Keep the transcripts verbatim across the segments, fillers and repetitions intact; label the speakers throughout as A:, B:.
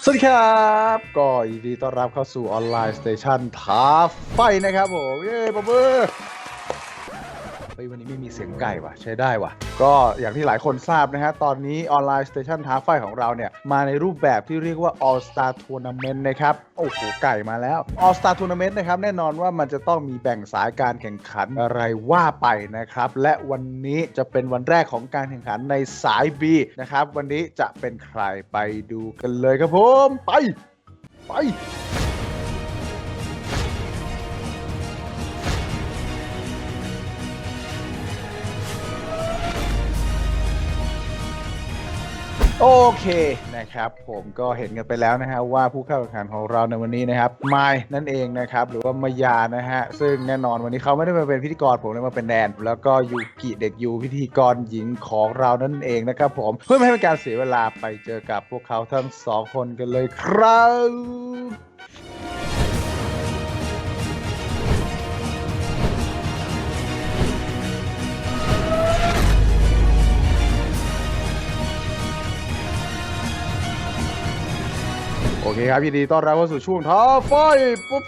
A: สวัสดีครับก็ยินดีต้อนรับเข้าสู่ออนไลน์สเตชันท้าไฟนะครับผมเย้ปะเบอร์เฮ้ยวันนี้ไม่มีเสียงไก่ว่ะใช้ได้ว่ะก็อย่างที่หลายคนทราบนะฮะตอนนี้ออนไลน์สเตชันท้าไฟของเราเนี่ยมาในรูปแบบที่เรียกว่า All Star Tournament นะครับโอ้โหไก่มาแล้ว All Star Tournament นะครับแน่นอนว่ามันจะต้องมีแบ่งสายการแข่งขันอะไรว่าไปนะครับและวันนี้จะเป็นวันแรกของการแข่งขันในสาย B นะครับวันนี้จะเป็นใครไปดูกันเลยครับผมไปไปโอเคนะครับผมก็เห็นกันไปแล้วนะฮะว่าผู้เข้าแข่งขันของเราในวันนี้นะครับไมล์นั่นเองนะครับหรือว่ามายานะฮะซึ่งแน่นอนวันนี้เขาไม่ได้มาเป็นพิธีกรผมเลยมาเป็นแดนแล้วก็ยูกิเด็กยูพิธีกรหญิงของเรานั่นเองนะครับผมเพื่อไม่ให้เป็นการเสียเวลาไปเจอกับพวกเขาทั้งสองคนกันเลยครับโอเคครับยินดีต้อนรับเข้าสู่ช่วงท้าไฟปุ๊บ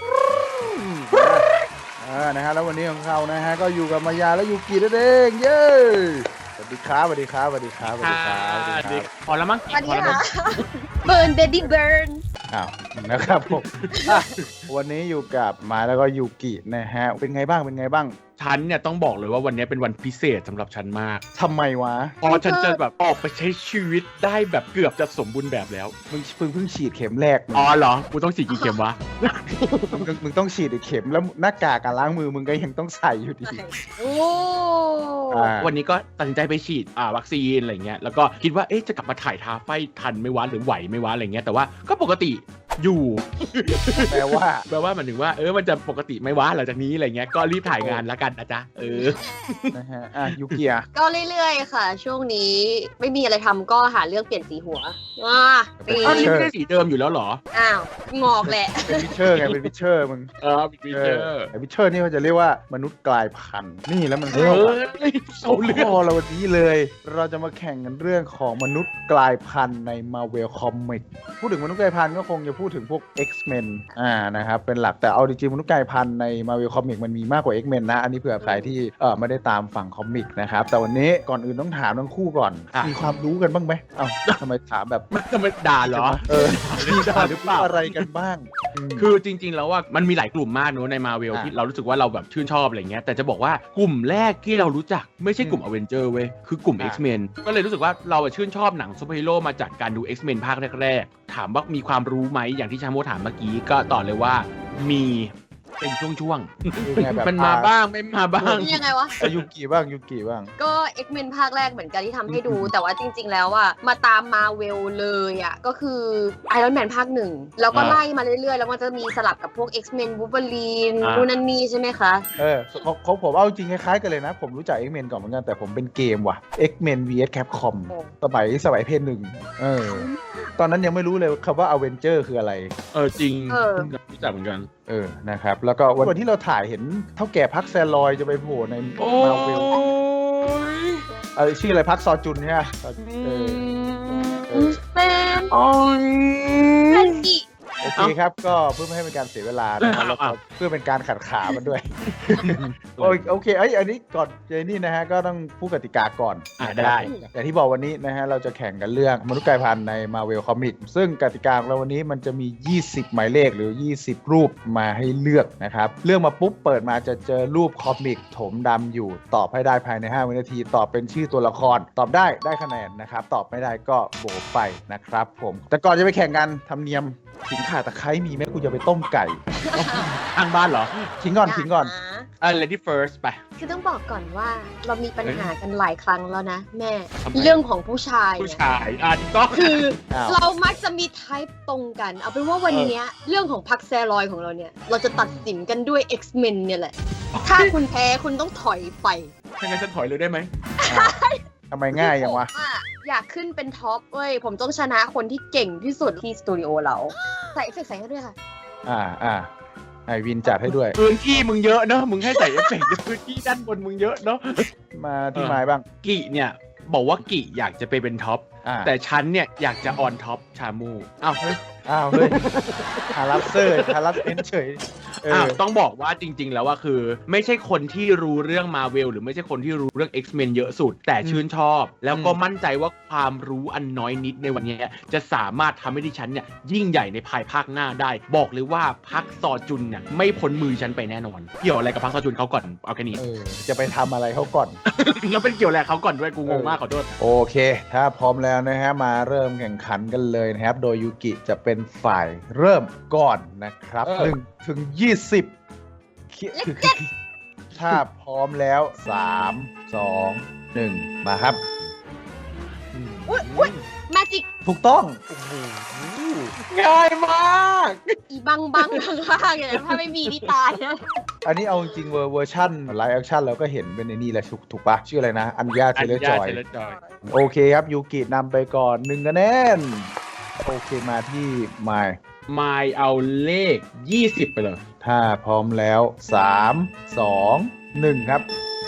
A: อ่านะฮะแล้ววันนี้ของเขานะฮะก็อยู่กับมายาและยูกินั่นเองเย้สวัสดีครับสวัสดีครับสวัสดีครับสวัสดีครับสวัสดีครับ
B: พอแล้วมั้ง
C: สวัสดี
B: พอแล้วมั้
C: ค่ะ
B: ง
C: เบิร์นเบบี้เบิร์น
A: อ้าวนะครับผมวันนี้อยู่กับมาแล้วก็ยูกินะฮะเป็นไงบ้างเป็นไงบ้าง
B: ฉันเนี่ยต้องบอกเลยว่าวันนี้เป็นวันพิเศษสำหรับฉันมาก
A: ทำไมวะ
B: เพราะฉันจะแบบออกไปใช้ชีวิตได้แบบเกือบจะสมบูรณ์แบบแล้ว
A: มึงเพิ่งเพิ่งฉีดเข็มแรกมึง
B: อ๋อเหรอ กูต้องฉีดกี่เข็มวะ
A: มึงมึงต้องฉีดอีกเข็มแล้วหน้ากากการล้างมือมึงก็ยังต้องใส่อยู่ดี
C: โอ้
A: อ่า
B: วันนี้ก็ตัดสินใจไปฉีดอ่าวัคซีนอะไรเงี้ย แล้วก็คิดว่าเอ๊ะจะกลับมาถ่ายท้าไฟทันไหม่วะหรือไหวไหม่วะอะไรเงี้ย แต่ว่าก็ปกติอยู่
A: แปลว่า
B: แปลว่ามันถึงว่าเออมันจะปกติไหม่วะหลังจากนี้อะไรเงี้ย ก็รีบถ่ายงานแล้วกันนะจ๊ะ เออ
A: นะฮะอ่ะยูกิอะ
C: ก็เรื่อยๆค่ะ ช่วงนี้ไม่มีอะไรทำก็หาเรื่องเปลี่ยนสีหัวว้าปี
B: อ้าวนี่ไม่ได้สีเดิมอยู่แล้วเหรอ
C: อ้าวงอกแหละ
A: เป็นวิเชอร์ไงเป็นวิเชอร์มึง
B: เออเป็นฟีเจอร์
A: ไอ้วิเชอร์นี่เขาจะเรียกว่ามนุษย์กลายพันธุ์นี่แล้วมัน
B: เอ
A: เข้า
B: อ
A: กับ
B: เอาเรื่อง
A: ข้อเราวันนี้เลย เราจะมาแข่งกันเรื่องของมนุษย์กลายพันธุ์ใน Marvel Comics พูดถึงมนุษย์กลายพันธุ์ก็คงจะพูดถึงพวก X-Men อ่านะครับเป็นหลักแต่เอาจริงๆมนุษย์กลายพันธุ์ใน Marvel Comics มันมีมากกว่า X-Men นะอันนี้เผื่อใครที่เออไม่ได้ตามฝั่งคอมิกนะครับแต่วันนี้ก่อนอื่นต้องถามทั้งคู่ก่อน
B: อ่ะ
A: มีความรู้กันบ้างไหมเอ้าทำไมถามแบบ
B: มันจะมาด่าเหรอ
A: เออมี
B: ด่า
A: ความ
B: หรือ
A: รู้
B: เปล่า
A: อะไรกันบ้างม
B: คือจริงๆ แล้วว่ามันมีหลายกลุ่มมากเนอะในมาเวล
A: อ่ะ
B: ที่เรารู้สึกว่าเราแบบชื่นชอบอะไรเงี้ยแต่จะบอกว่ากลุ่มแรกที่เรารู้จักไม่ใช่กลุ่ม
A: อืม
B: อเวนเจอร์เว้ยคือกลุ่ม
A: อ่ะ
B: X-Men ก็เลยรู้สึกว่าเราอะชื่นชอบหนังซูเปอร์ฮีโร่มาจากการดู X-Men ภาคแรกๆ ถามว่ามีความรู้ไหมอย่างที่ชาโมถามเมื่อกี้ก็ตอบเลยว่ามีเป็นช่วง
A: คือไงแบบ
B: ๆ มันมาบ้างไม่มาบ้าง
C: ยังไงวะ
A: อ่ะยูกิบ้างยูกิบ้าง
C: ก็ X-Men ภาคแรกเหมือนกันที่ทำให้ดู แต่ว่าจริงๆ แล้วอะมาตามมาเวลเลยอะก็คือ Iron Man ภาคหนึ่งแล้วก็
B: อ่า
C: ไล่มาเรื่อยๆ แล้วมันจะมีสลับกับพวก X-Men Wolverine
B: อ่า
C: นู่นนั่นนี่ใช่ไหมคะ
A: เออของของผมเอาจริงคล้ายๆกันเลยนะ ผมรู้จัก X-Men ก่อนเหมือนกันแต่ผมเป็นเกมว่ะ X-Men วี เอส Capcom
C: โอ้
A: สมัยสมัยเพนหนึ่งเออตอนนั้นยังไม่รู้เลยคำว่า Avenger คืออะไร
B: เออจริง
C: เออ
B: รู้จักเหมือนกัน
A: เออนะครับแล้วก็วันที่เราถ่ายเห็นเท่าแก่พักแซลลอยจะไปโผล่ใน
B: โอ้
A: มาเวล
B: ย
A: เออชื่ออะไรพักซอจุนใช่ไหมเออ เออ
C: แมน
B: โอ้ย
C: แมนจิ
A: โอเคครับก็เพื่อไม่ให้เป็นการเสียเวลานะครับแล้วก็เพื่อเป็นการขัดขามันด้วย โอเคโอเคไอยอันนี้ก่อนเจนี่นะฮะก็ต้องพูดกติกาก่อน
B: อ่ะได้
A: อย่างที่บอกวันนี้นะฮะเราจะแข่งกันเรื่องมนุษย์กลายพันธุ์ใน Marvel Comic ซึ่งกติกาของเราวันนี้มันจะมียี่สิบหมายเลขหรือ ยี่สิบ รูปมาให้เลือกนะครับเลือกมาปุ๊บเปิดมาจะเจอรูปคอมิกถมดำอยู่ตอบให้ได้ภายในห้าวินาทีตอบเป็นชื่อตัวละคร ตอบได้ได้คะแนนนะครับตอบไม่ได้ก็โบกไปนะครับผมแต่ก่อนจะไปแข่งกันธรรมเนียมขิงข่าตะไคร้มีไหมกูจะไปต้มไก่
B: ทางบ้านเหรอ
A: ขิงก่อนขิงก่อน
B: อ่ะ lady first ไป
C: คือต้องบอกก่อนว่าเรามีปัญหากันหลายครั้งแล้วนะ แม่
B: ทำไม
C: เรื่องของผู้ชาย
B: ผู้
C: เนี่ย
B: ชายอ่ะก็
C: คือ
A: อ้าว
C: เรามักจะมีไทป์ตรงกัน เอาเป็นว่าวันเนี้ยเรื่องของพักแซลอยของเราเนี่ย เราจะตัดสินกันด้วย X-Men เนี่ยแหละ ถ้าคุณแพ้คุณต้องถอยไป
B: ถ้างั้นฉันถอยเลยได้ไหม
A: อ้าวทำไมง่ายอย่างวะ
C: ผมออยากขึ้นเป็นท็อปเว้ย ผมต้องชนะคนที่เก่งที่สุดที่สตูดิโอเรา ใส่เอฟเฟกต์ใส่ให้ด้วยค่ะ
A: อ่าอ่าไอวินจัดให้ด้วย
B: พื้นที่มึงเยอะเนอะมึงให้ใส่เอฟเฟกต์พื้นที่ด้านบนมึงเยอะเนอะ
A: มาที่ไม้บ้าง
B: กิเนี่ยบอกว่ากิอยากจะไปเป็นท็อป
A: อ่า
B: แต่ฉันเนี่ยอยากจะออนท็อปชามูอ้าวเฮ้ย
A: อ้าวเฮ้ยฮารัสเซอร์ฮารัสเอนเฉยเอ
B: อ้าว
A: อ
B: ต้องบอกว่าจริง ๆ แล้วว่าคือ ไม่ใช่คนที่รู้เรื่องมาเวลหรือไม่ใช่คนที่รู้เรื่อง X-Men เยอะสุด แต่ชื่นชอบ แล้วก็มั่นใจว่าความรู้อันน้อยนิดในวันนี้จะสามารถทำให้ดิฉันเนี่ยยิ่งใหญ่ในภายภาคหน้าได้ บอกเลยว่าพักซอจุนเนี่ยไม่พ้นมือฉันไปแน่นอนเกี่ยวอะไรกับพักซอจุนเขาก่อนเอาแค่นี้
A: เออจะไปทำอะไรเขาก่อน
B: แล้วเป็นเกี่ยวอะไรเขาก่อนด้วยกูงงมากขอโทษ
A: โอเค ถ้าพร้อมแล้วนะฮะ มาเริ่มแข่งขันกันเลยนะครับ โดยยูกิจะเป็นฝ่ายเริ่มก่อนนะครับ
B: เออ
A: หนึ่งถึงยี่สิบถ้าพร้อมแล้วสามสองหนึ่งมาครับ
C: อุ้ยอุ้ยแมจิก
A: ถูกต้อง
B: ง่ายมาก
C: อีบังบังข้างๆเนี่ยถ้าไม่มีนี่ตายนะ
A: อันนี้เอาจริงๆเวอร์เวอร์ชันไลฟ์แอคชั่นเราก็เห็นเป็นในนี่แหละถูกถูกปะชื่ออะไรนะ อัญญาเทเลจอย
B: เทเลจอย
A: โอเคครับ ยูกินำไปก่อนหนึ่งคะแนน โอเคมาที่ไมล์
B: มายเอาเลขยี่สิบไปเลย
A: ถ้าพร้อมแล้วสามสองหนึ่งครับ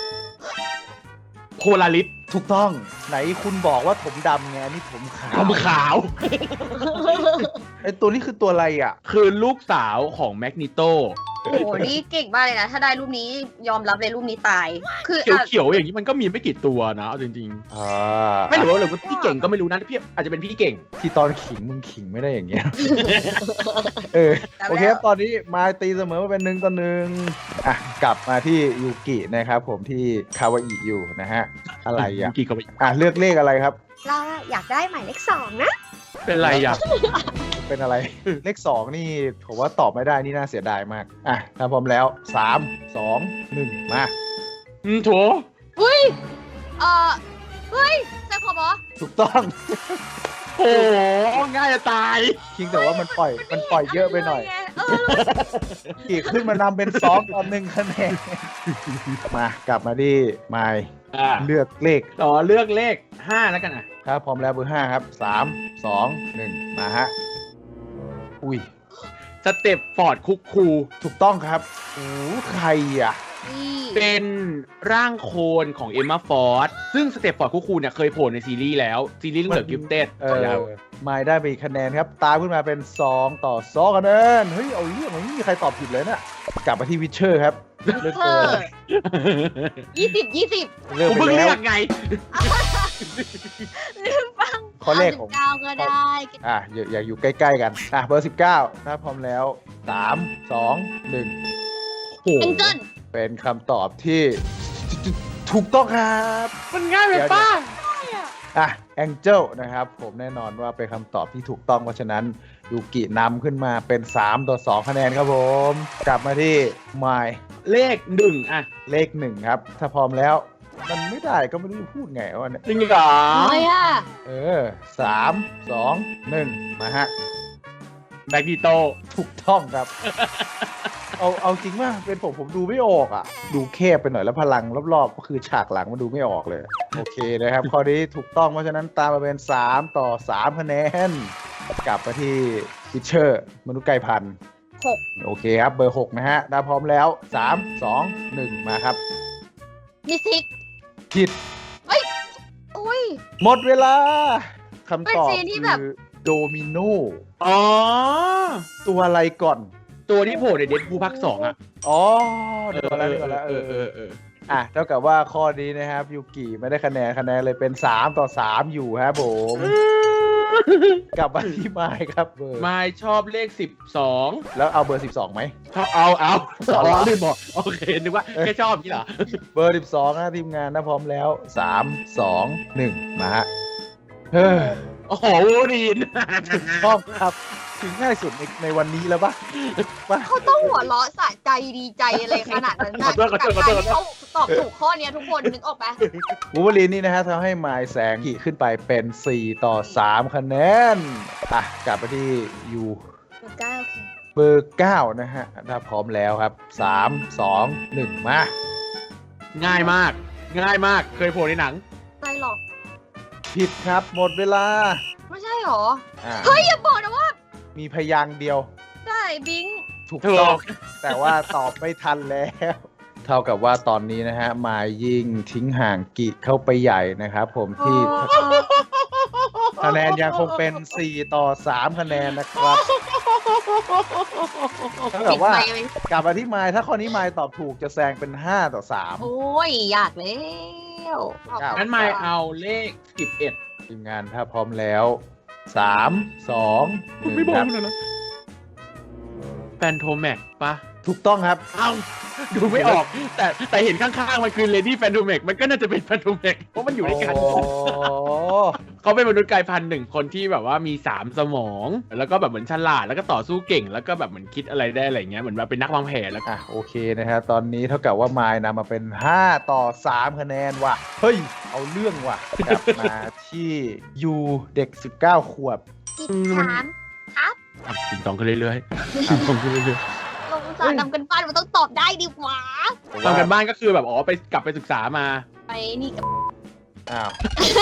B: โพลาริส
A: ถูกต้องไหนคุณบอกว่าผมดำไงนี่ผมขาว
B: ทำขาว
A: ไอตัวนี้คือตัวอะไรอ่ะ
B: คือลูกสาวของแมกนิโต
C: โอ้โห นี่เก่งมากเลยนะ ถ้าได้รูปนี้ยอมรับเลยรูปนี้ตาย คือ
B: เขียวๆอย่างนี้มันก็มีไม่กี่ตัวนะเอาจริง
A: อ่า
B: ๆ ไม่รู้หรือว่าพี่เก่งก็ไม่รู้นะพี่อาจจะเป็นพี่เก่ง
A: ที่ตอนขิงมึงขิงไม่ได้อย่างเงี้ย เออโอเคครับตอนนี้มาตีเสมอมาเป็นหนึ่งต่อหนึ่งอ่ะกลับมาที่ยูกินะครับผมที่คาวาอิอยู่นะฮะ อะไรอ่ะ
B: กี่ก็ไป
A: อ่ะเลือกเลขอะไรครับ
C: เราอยากได้หมายเลขสองนะ
B: เป็นไรอ่ะ
A: เป็นอะไร เลขสองนี่ผมว่าตอบไม่ได้นี่น่าเสียดายมาก อ่ะถ้าพร้อมแล้วสามสองหนึ่งมา
B: อืมโถ
C: เฮ้ย เออเฮ้ยแซคคอบอ
A: ถูกต้อง
B: โอ้ง่ายจะตาย
A: คิงแต่ว่ามันปล่อยมันปล่อยเยอะไปหน่อย
C: เออ
A: กีขึ้นมานำเป็นสองต่อหนึ่งคะแนน มากลับมาที่ไมล์
B: อ่า
A: เลือกเลข
B: ต่อเลือกเลขห้าแล้วกันอ่ะ
A: ถ้าพร้อมแล้วเบอร์ห้าครับสามสองหนึ่งมาฮะ อุ้ย
B: สเต็ปฟอร์ดคุกคู
A: ถูกต้องครับโอ้ใครอ่ะ
C: นี่
B: เป็นร่างโคลนของเอมมาฟอร์ดซึ่งสเต็ปฟอร์ดคุกคูเนี่ยเคยโผล่ในซีรีส์แล้ว ซีรีส์เรื่องเดอะกิฟเต็ด
A: เออไมล์ได้ไปอีกคะแนนครับ ตามขึ้นมาเป็นสองต่อสองคะแนน เฮ้ย เอาเรื่องไม่มีใครตอบผิดเลยน่ะ กลับมาที่วิเชอร์ครับ เลือก
C: เธ
A: เบอ
C: อ
A: ร์อะไร
C: ยี่สิบยี่สิบ
A: เลือก
B: ผม
A: ไป
B: เพิ่ง
A: แล้
B: เลื
A: ว
B: อกไง
C: ลืมฟัง
A: ข้อเลขของ
C: เก้าก็ได้
A: อ่ะอย่าอย่าอยู่ใกล้ๆกัน อ่ะ เบอร์สิบเก้าถ้าพร้อมแล้วสามสองหนึ่ง
B: โอ้
C: เอ็นเจิล
A: เป็นคำตอบที่ถูกต้องครับ
B: มันง่ายไปป้า
A: อ่ะแองเจลนะครับ ผมแน่นอนว่าเป็นคำตอบที่ถูกต้องเพราะฉะนั้นยูกินำขึ้นมาเป็นสามต่อสองคะแนนครับผม กลับมาที่ไมล์
B: เลขหนึ่งอ่ะ
A: เลขหนึ่งครับ ถ้าพร้อมแล้ว มันไม่ได้ก็ไม่รู้จะพูดไงวะเนี่ย
B: จริงเหรอ
C: ทำไมอ่ะ
A: เออสามสองหนึ่งมาฮะ
B: แมกนิโต
A: ถูกต้องครับ เอาเอาจริงว่าเป็นผมผมดูไม่ออกอ่ะ ดูแคบไปหน่อยแล้วพลังรอบๆ ก็คือฉากหลังมันดูไม่ออกเลย โอเคนะครับ ข้อนี้ถูกต้องเพราะฉะนั้นตามมาเป็นสามต่อสามคะแนน กลับมาที่ฟิชเชอร์ มนุษย์ไก่พันธุ์
C: หก
A: โอเคครับ เบอร์หกนะฮะถ้าพร้อมแล้วสามสองหนึ่งมาครับ
C: มิสซิก
A: ผิด
C: อุ้ย
A: หมดเวลาคำตอบ
C: เป็นซีนที่แบบ
A: คือโดมิโน
B: อ๋อ
A: ตัวอะไรก่อน
B: ตัวที่โผล่ในเดดพูลภาคสองอ่ะ
A: อ๋อเดี๋ยวก่อนแล้วเดี๋ยวก่อนแล้วเออเออ
B: เออ
A: อ่ะเท่ากับว่าข้อนี้นะครับยูกิไม่ได้คะแนนคะแนนเลยเป็นสามต่อสามอยู่ครับผม กลับมาที่ไมค์ครับเบอร์
B: มายชอบเลขสิบสอง
A: แล้วเอาเบอร์สิบสองไหม
B: ชอบเอาเอา
A: เอาเหรอ
B: อ๋อลืมบอกโอเคนึกว่าแค่ชอบนี่เหรอ
A: เบอร์สิบสองนะทีมงานถ้าพร้อมแล้วสามสองหนึ่งมาฮะเฮ้ย
B: โอ้โหวูดีน
A: ชอบครับถึงง่ายสุดในในวันนี้แล้วปะปะ
C: เขาต้องหัวเราะสะใจดีใจอะไรขนาดนั้นนะกับการที่เขาตอบถูกข้อเนี้ยทุกคนนึกออกไหม
A: วูเวอรีนนี่นะฮะทำให้ไมล์แสงขี่ขึ้นไปเป็นสี่ต่อสามคะแนนอ่ะกลับมาที่ยู
C: เก้าค่ะ
A: เบอร์เก้านะฮะถ้าพร้อมแล้วครับสามสองหนึ่งมา
B: ง่ายมาก ง่ายมากเคยโผล่ในหนัง
C: ใจหรอก
A: ผิดครับหมดเวลา
C: ไม่ใช่หรอ
A: อ่ะ
C: เฮ้ย อย่าบอกนะว่า
A: มีพยางค์เดียว
C: ได้บิง
A: ถูก
B: ถูก
A: ต้องแต่ว่าตอบไม่ทันแล้ว เท่ากับว่าตอนนี้นะฮะมายยิ่งทิ้งห่างกิเข้าไปใหญ่นะครับผมที่คะแนนยังคงเป็นสี่ต่อสามคะแนนนะครับเท่ากับว่า
C: ติดไปไหม
A: กลับมาที่ไมล์ถ้าข้อนี้ไมล์ตอบถูกจะแซงเป็นห้าต่อสาม
C: โอ้ยอยากแล้ว
B: งั้นไม่เอาเลขสิบเอ็ด
A: ทีมงานถ้าพร้อมแล้วสามสองหนึ่ง
B: ไม่บอ
A: ค
B: ก
A: รับ
B: เลยนะแฟนโทแม็กปะ
A: ถูกต้องครับ
B: เอ้าดูไม่ออก แต่แต่เห็นข้างๆมันคือเลดี้แฟนโทแม็กมันก็น่าจะเป็นแฟนโทแม็กเพราะมันอยู่ด้วยกัน
A: โอ้
B: เขาเป็นมนุษย์กลายพันธุ์หนึ่งคนที่แบบว่ามีสามสมอง แล้วก็แบบเหมือนฉลาดแล้วก็ต่อสู้เก่ง แล้วก็แบบเหมือนคิดอะไรได้อะไรเงี้ยเหมือนแบบเป็นนักวางแผนแล้วก็
A: อ่ะโอเคนะฮะตอนนี้เท่ากับว่าไมล์นำมาเป็นห้าต่อสามคะแนนว่ะ เฮ้ย เอาเรื่องว่ะ กลับมาที่ยูเด็กสิบเก้าขวบ
C: สิบสามครับ
B: ติงตองขึ้นเรื่อยๆติงตองขึ้นเรื่อย
C: ลงสารทำกันบ้านมันต้องตอบได้ดีกว่า
B: ๆทำกันบ้านก็คือแบบอ๋อไปกลับไปศึกษามา
C: ไปนี่กับ
A: อ้าว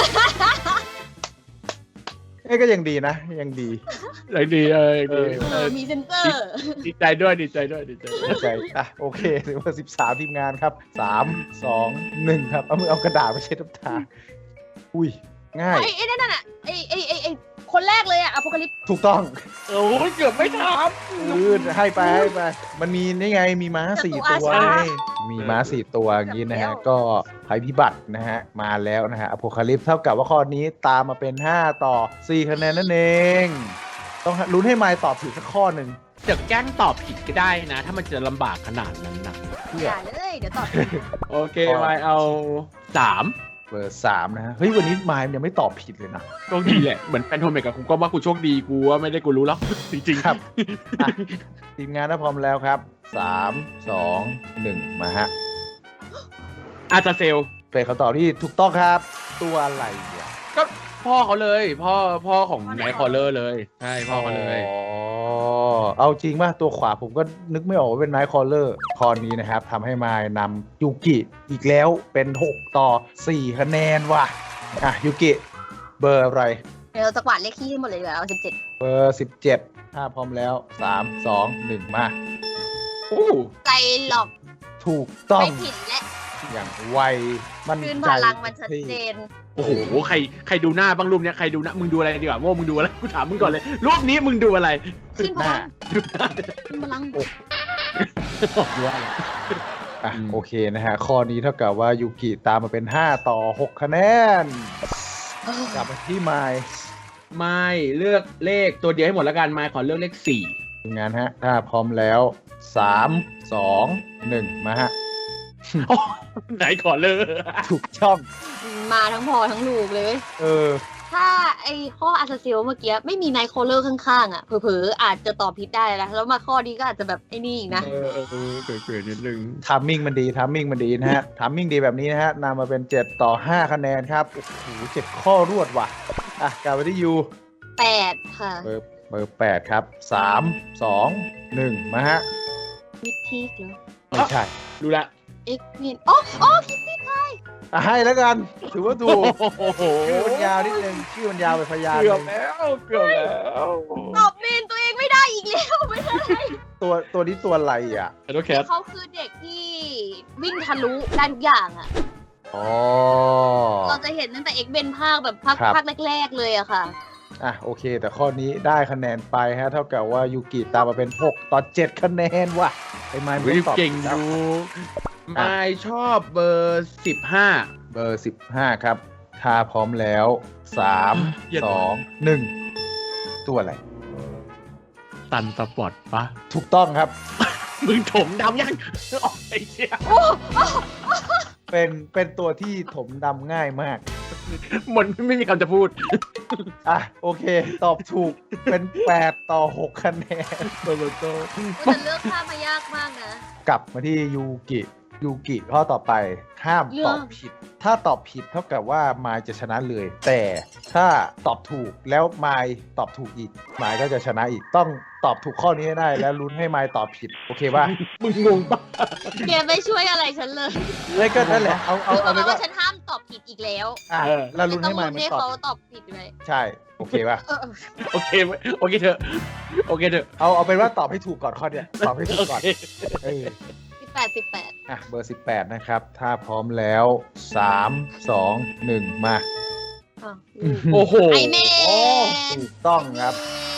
A: เอ้ยก็ยังดีนะ ยังดี
B: เลยดีเออดี
A: เอ
C: เออมีเซนเซอร์
B: ดีใจด้วยดีใจด้วยดีใจด้วย
A: เข้าใจอ่ะโอเคถือว่าสิบสามทีมงานครับสามสองหนึ่งครับ เอามือเอากระดาษไปเช็ดน้ำตา อุ้ย ง่าย
C: ไอ้ไอ้นั่นน่ะไอ้ไอ้ไอ้ไอ้คนแรกเลยอะอพอลิป
A: ถูกต้อง
B: โอ้ยเกือบไม่ทัน
A: อืดให้ไปให้ไป มันมีนี่ไง มีม้าสี่ตัวไงมีม้าสี่ตัวอย่างนี้นะฮะ ก็ภัยพิบัตินะฮะ มาแล้วนะฮะอโพคาลิปเท่ากับว่าข้อนี้ตามมาเป็นห้าต่อสี่คะแนนนั่นเอง ต้องลุ้นให้ไมล์ตอบถูกสักข้อหนึ่ง
B: จะแกล้งตอบผิดก็ได้นะ ถ้ามันจะลำบากขนาดนั้นนะ
A: เพื่อ
C: อย่าเลยเดี๋ยวตอบ
B: โอเคไว้เอาสาม
A: เบอร์สามนะฮะ เฮ้ย วันนี้ไมล์ยังไม่ตอบผิดเลยนะ
B: โชคดีแหละ เหมือนแฟนโทเมกกับกูก็ว่ากูโชคดีกูว่าไม่ได้กูรู้แล้ว จริงๆ
A: ครับ อ่ะทีมงานถ้าพร้อมแล้วครับสามสองหนึ่งมาฮะ
B: อาจจะเซล
A: เป็นคำตอบที่ถูกต้องครับ ตัวอะไรเนี่ย
B: ก็พ่อเขาเลย พ่อพ่อของไนท์คอลเลอร์เลย ใช่พ่อเขาเลย
A: อ๋อ เอาจริงป่ะ ตัวขวาผมก็นึกไม่ออกว่าเป็นไนท์คอลเลอร์ข้อนี้นะครับทำให้มายนำยูกิอีกแล้วเป็นหกต่อสี่คะแนนว่ะ อ่ะยูกิ เบอร์อะไร
C: เดี๋ยวเราจะกวาดเลขที่ให้หมดเลยดีกว่าเอาสิบเจ็ด
A: เบอร์สิบเจ็ดถ้าพร้อมแล้วสามสองหนึ่งมา
B: อู้
C: ใจหลอก
A: ถูกต้อง
C: ไม่ผิดและ
A: อย่างไวมัน
C: คืน
A: ใจ
C: พลังมันชัดเจน
B: โอ้โห ใครใครดูหน้าบ้างรูปเนี้ยใครดูหน้ามึงดูอะไรดีกว่าโม่มึงดูอะไรกูถามมึงก่อนเลยรูปนี้มึงดูอะไร
C: ขึ้นพ
A: หน้า
C: ลังขึ้นพลัง
B: ดูอะไร
A: อ่ะ
B: อืม
A: โอเคนะฮะ ข้อนี้เท่ากับว่ายูกิตามมาเป็นห้าต่อหกคะแนน กลับมาที่ไมล์
B: ไม่เลือกเลขตัวเดียวให้หมดแล้วกันไม่ขอเลือกเลขสี่
A: ทีมงานฮะ ถ้าพร้อมแล้วสามสองหนึ่งมาฮะ
B: ไหนขอเลือก
A: ถูกช่อง
C: มาทั้งพอทั้งลูกเลยเว้ย
A: เออ
C: ถ้าไอ้ข้ออาซาเซลเมื่อกี้ไม่มีไนท์โคลเลอร์ข้างๆอ่ะเผลอๆอาจจะตอบผิดได้แล้วแล้วมาข้อนี้ก็อาจจะแบบไอ้นี่อีกนะ
B: เออเออเออเกิดๆนิดนึง
A: ทามมิ่งมันดี ทามมิ่งมันดีนะฮะ ทามมิ่งดีแบบนี้นะฮะนำมาเป็นเจ็ดต่อห้าคะแนนครับ โอ้โหเจ็ดข้อรวดว่ะ อ่ะ กลับมาที่ยู
C: แปดค่ะ
A: เบอร์เบอร์แปดครับสามสองหนึ่งมาฮะ
C: มิทีกเหรอ
A: ไม่ใช่
B: ดูละ
C: เอ็กเมนอ๋ออ๋อคิดผิด
A: อ่ะให้แล้วกัน ถือว่าถูก
B: โอ้โห
A: ชื่อมันยาวนิดนึง ชื่อมันยาวไปพยาน
B: เกือบ
A: หนึ่ง
B: แล้วเกือบแล้ว
C: ตอบเมนตัวเองไม่ได้อีกแล้วไม่ใช่
A: ตัวตัวนี้ตัวอะไรอ่ะ
B: แคทแคท
C: เขาคือเด็กที่วิ่งทะลุได้ทุกอย่างอ่ะ
A: อ๋อ
C: เราจะเห็นตั้งแต่เอ็กเบนภาคแบบภาค
A: ครับ
C: ภาคแรก ๆ เลยอะค่ะ
A: อ่ะโอเค แต่ข้อนี้ได้คะแนนไปฮะ เท่ากับว่ายูกิตามมาเป็นหกต่อเจ็ดคะแนนว่ะไอ้ไม้ไม่
B: วิ
A: ตอบ
B: เก่งอ
A: แล้ว
B: ยู่ไม่ชอบเบอร์สิบห้า
A: เบอร์สิบห้าครับ ถ้าพร้อมแล้วสาม
B: เย็น
A: สองหนึ่งตัวอะไร
B: ตันสปอร์ตปะ
A: ถูกต้องครับ
B: มึงถมดำยังออกไอ้เชี่ย
A: เป็นเป็นตัวที่ถมดำง่ายมาก
B: มันไม่มีคำจะพูด
A: อ่ะโอเค ตอบถูกเป็นแปดต่อหกคะแนน
B: เบอร์เบอร์โต
C: แต่เลือกข้ามมายากมากนะ
A: กลับมาที่ยูกิยูกิข้อต่อไปห้าม
C: เรื่
A: ต
C: อ
A: อง บผิด ถ้าตอบผิดเท่ากับว่ามายจะชนะเลย แต่ถ้าตอบถูกแล้วมายตอบถูกอีกมายก็จะชนะอีกต้องตอบถูกข้อนี้ให้ได้ แล้วลุ้นให้มายตอบผิดโอเคป่ะ
B: มึงงงปะ
C: แกไม่ช่วยอะไรฉันเลย
A: เลยก็นั่นแหละเอาเอา
C: คือ
A: เอา
C: เพ
A: ไป
C: ราะ
A: ว่า
C: ว่าฉันห้ามตอบผิดอีกแล้ว
A: อ่ะแล้วลุ้น
C: ต้อ
A: ให้
C: ง
A: มาย
C: ลุ้น
A: มัน
C: ให้
A: ตอบ
C: เขาตอบผิดเลย
A: ใช่โอเคป่ะ
C: เออเออ
B: โอเคเว้ยโอเคเถอะโอเคเถอะ
A: เอาเอาเป็นว่าตอบให้ถูกก่อนข้อเนี้ยตอบให้ถูก
B: โอ
A: ก่อน
B: เค
A: เออ
C: สิบแปดสิบแปด
A: อ่ะเบอร์สิบแปดนะครับ ถ้าพร้อมแล้วสามสองหนึ่งมา
C: อ้าว
B: โอ้โห
C: ไอเมน
A: ถูกต้องครับ
C: ไอเมน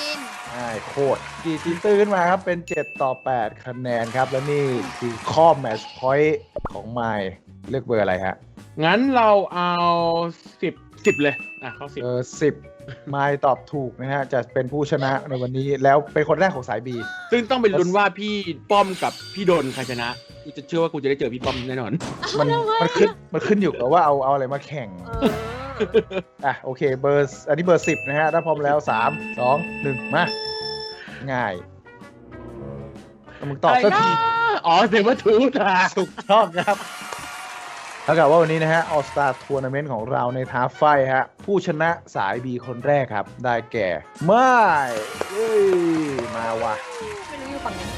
A: ง่ายโคตรกีตีตื้นขึ้นมาครับเป็นเจ็ดต่อแปดคะแนนครับและนี่คือข้อแมตช์พอยต์ของไมล์เลือกเบอร์อะไรฮะ
B: งั้นเราเอาสิบสิบเลยอ่ะเข้าสิบ
A: เบอร์สิบไมล์ตอบถูกนะฮะจะเป็นผู้ชนะในวันนี้แล้วเป็นคนแรกของสาย B
B: ซึ่งต้องเป็นลุ้นว่าพี่ป้อมกับพี่ดนใครชนะกูจะเชื่อว่ากูจะได้เจอพี่ป้อมแน่นอน
A: มันมันขึ้นมันขึ้นอยู่กับว่าเอาเอาอะไรมาแข่ง
C: เออ
A: อ่ะโอเคเบอร์อันนี้เบอร์สิบนะฮะถ้าพร้อมแล้วสามสองหนึ่งมาง่ายแล้วมึงตอบสักที
B: อ๋อเซเบอร์ทูธอ่ะ
A: ถูกต้องครับเท่ากับว่าวันนี้นะฮะ All Star Tournament ของเราในท้าไฟฮะผู้ชนะสาย B คนแรกครับ ได้แก่ไม่เอ้ยมาว่ะ
C: ไม่รู้อยู่ฝั่งไหน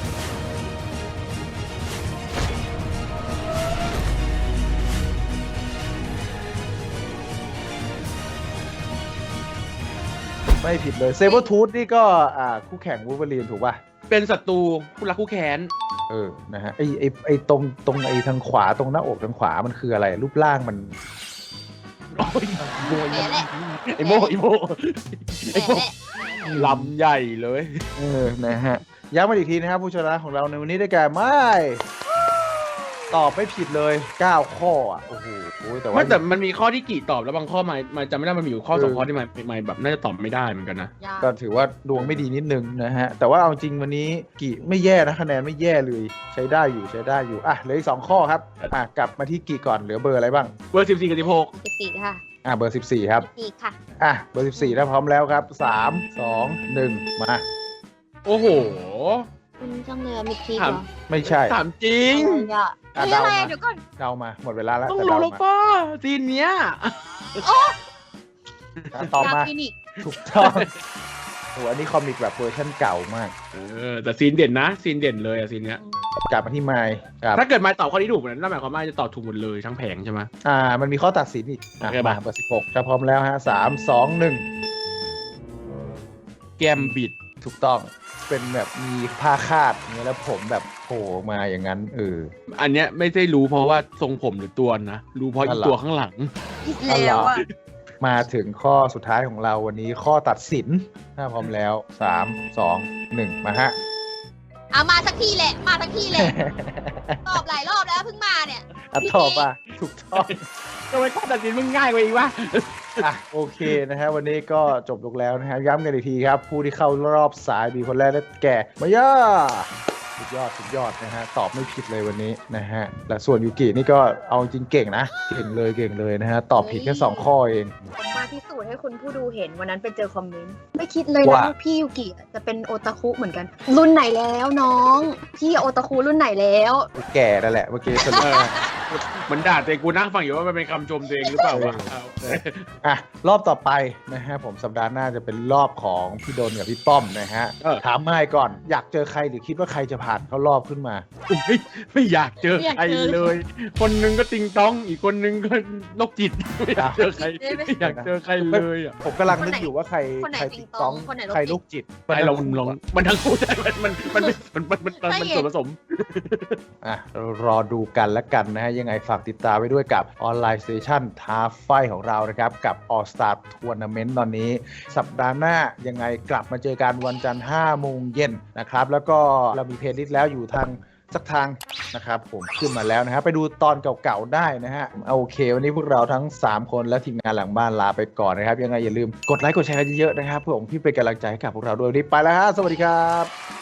A: ไม่ผิดเลยเซเบอร์ทูธนี่ก็อ่าคู่แข่งวูล์ฟเวอรีนถูกป่ะ
B: เป็นศัตรูคู่รักคู่แค้น
A: เออนะฮะไอไอไอตรงตรงไอทางขวาตรงหน้าอกทางขวามันคืออะไรรูปร่างมัน
B: โอ้ยโมย
C: แหละแหละ
B: ไอโมไอโมไอโม
C: แหละ
B: ลำใหญ่เลย
A: เออนะฮะย้ำมาอีกทีนะครับผู้ชนะของเราในวันนี้ได้แก่ไม่ตอบไม่ผิดเลยเก้าข้ออ่ะโอ้โหแต่ว่า
B: ไม่แต่มันมีข้อที่กี่ตอบแล้วบางข้อมามาจำไม่ได้มันมีอยู่ข้อ
A: เออ
B: สองข้อที่มันมันแบบน่าจะตอบไม่ได้เหมือนกันนะ
C: ยาก
A: ก็ถือว่าดวงไม่ดีนิดนึงนะฮะ แต่ว่าเอาจริงวันนี้กี่ไม่แย่นะคะแนนไม่แย่เลยใช้ได้อยู่ใช้ได้อยู่อ่ะเหลืออีกสองข้อครับอ่ะกลับมาที่กี่ก่อนเหลือเบอร์อะไรบ้าง
B: เบอร์สิบสี่กับสิบหก
C: สิบสี่ค่ะ
A: อ่ะเบอร์สิบสี่ครับ
C: สิบสี่ค่ะ
A: อ่ะเบอร์สิบสี่ถ้าพร้อมแล้วครับสามสองหนึ่งมา
B: โอ้โห
C: คุณจังเลยอะมิดทีเห
B: ถาร ม
C: อ
A: ไม่ใช่
B: ถามจริง
C: อะไรอ่ะ
A: อ่ะ
C: เฮ้ยอะไร
A: เดามา
C: อะเดี๋ยวก่อน
A: เดามาหมดเวลาแล้ว
B: ต้อง
A: แต่
B: รู้
A: เดา
B: แล้ว
A: มา
B: ป้าซีนเนี้ย
A: อ่ะตอบมา
C: คลินิก
A: ถูกต้องโอ้อันนี้คอมิกแบบเวอร์ชันเก่ามาก
B: เออแต่ซีนเด่นนะซีนเด่นเลยอะซีนเนี้ย
A: กลับมาที่ไมค์ครับ
B: ถ้าเกิดมาตอบข้อนี้ถูกนั่นหมายความว่าจะตอบถูกหมดเลยทั้งแผงใช่ไหม
A: อ่า มันมีข้อตัดสินอีกอ่ะ
B: โอเค
A: มา
B: มา
A: เบอร์สิบหกถ้าพร้อมแล้วฮะสามสองหนึ่ง
B: แกมบิด
A: ถูกต้องเป็นแบบมีผ้าคาดอย่างเงี้ยแล้วผมแบบโผล่มาอย่างนั้นเออ
B: อันเนี้ยไม่ได้รู้เพราะว่าทรงผมหรือตัวนะ รู้เพราะ
A: นั่
B: อี
A: นเหรอ
B: ตัวข้างหลัง
C: อีกแล้วอ่ะ
A: มาถึงข้อสุดท้ายของเราวันนี้ข้อตัดสินถ้าพร้อมแล้วสามสองหนึ่งมาฮะ
C: เอามาสักทีแหละ มาสักทีแหละ ตอบหลายรอบแล้วเพิ่งมาเนี่ย
A: อ่ะตอบอ่ะถูกต้อง
B: ทำไมข้อตัดสินมึงง่ายกว่าอีกวะ
A: อ่ะโอเคนะฮะวันนี้ก็จบลงแล้วนะฮะย้ำกันอีกทีครับ ผู้ที่เข้ารอบสายบีคนแรกได้แก่มาย่าสุดยอดสุดยอดนะฮะตอบไม่ผิดเลยวันนี้นะฮะและส่วนยูกินี่ก็เอาจริงเก่งนะเก่งเลยเก่งเลยนะฮะตอบผิดแค่สองข้อเอง
C: ผมมาพิสูจน์ให้คุณผู้ดูเห็นวันนั้นไปเจอคอมเมนต์ ไม่คิดเลยนะ
A: ว่า
C: ว่าพี่ยูกิจะเป็นโอตาคุเหมือนกัน รุ่นไหนแล้วน้อง พี่โอตาคุรุ่นไหนแล้ว
A: แก่นั่นแหละเมื่อกี้สรุป
B: เออเหมือนด่าตัวเองกูนั่งฟังอยู่ว่ามันเป็นคำชมตัวเองหรือเปล่าวะเอา
A: อ่ะรอบต่อไปนะฮะผมสัปดาห์หน้าจะเป็นรอบของพี่โดนกับพี่ป้อมนะฮะ
B: เออ
A: ถามไม่ก่อนอยากเจอใครหรือคิดว่าใครจะผ่านเข้ารอบขึ้นมา
B: ไม่ไม่อยากเจอใครเลย คนหนึงก็ติงต้องอีกคนหนึงก็โรคจิตไม่อยากเจอใครไม่อยากเจอใครเลยอ่ะ
A: ผมกำลังนึกอยู่ว่าใคร
C: คนไหน
A: ใคร
C: ติ
A: ติ๊
C: ง
A: ก
C: ต
A: ต้
C: อ
A: อง ง
C: คนไหนโรคจิต
A: ใครลูกจิต
B: ไอเราลองมันทั้งคู่ได้มันมันมันมันมันมันมันส่วนผสม
A: อ่ะรอดูกันแล้วกันนะฮะยังไงฝากติดตามไว้ด้วยกับออนไลน์สเตชันท้าไฟของเรานะครับกับ All Star Tournament ตอนนี้ สัปดาห์หน้ายังไงกลับมาเจอกันวันจันทร์ห้าโมงเย็นนะครับแล้วก็เรามีเพลย์ลิสต์แล้วอยู่ทางสักทางนะครับผมขึ้นมาแล้วนะฮะไปดูตอนเก่าๆได้นะฮะโอเค วันนี้พวกเราทั้งสามคนและทีมงานหลังบ้านลาไปก่อนนะครับยังไงอย่าลืมกดไลค์กดแชร์กันเยอะๆนะครับเพื่อผมพี่เป็นกำลังใจให้กับพวกเราด้วยวันนี้ไปแล้วฮะสวัสดีครับ